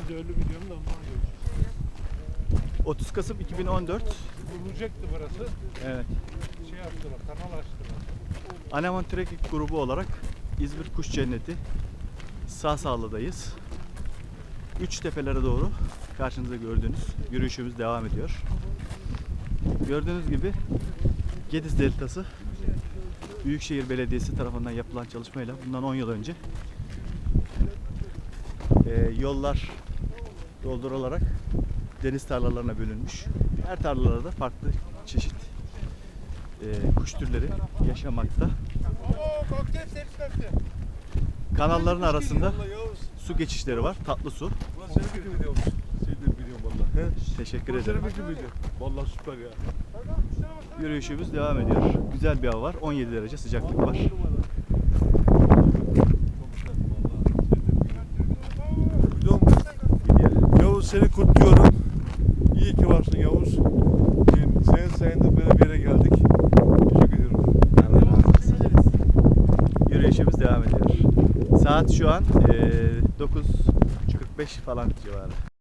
Ben de öyle biliyorum da ondan görüyorum. 30 Kasım 2014. Vurulacaktı burası. Evet. Şey yaptılar, kanal açtılar. Aneman Trekking grubu olarak İzmir Kuş Cenneti Sağsağlı'dayız. Üç tepelere doğru karşınızda gördüğünüz yürüyüşümüz devam ediyor. Gördüğünüz gibi Gediz Deltası Büyükşehir Belediyesi tarafından yapılan çalışmayla bundan 10 yıl önce yollar doldurularak deniz tarlalarına bölünmüş. Her tarlalarda farklı çeşit kuş türleri yaşamakta. Kanalların arasında su geçişleri var. Tatlı su. Burası senin gibi biliyormuş. Seni de biliyorum valla. Teşekkür Burası ederim. senin gibi. Valla süper ya. Yürüyüşümüz devam ediyor. Güzel bir hava var. 17 derece sıcaklık var. Biliyor musun? Yavuz seni kutluyorum. İyi ki varsın Yavuz. Senin sayende böyle bir yere geldik. Teşekkür ediyorum. Yürüyüşümüz devam ediyor. Saat şu an 9:45 falan civarı.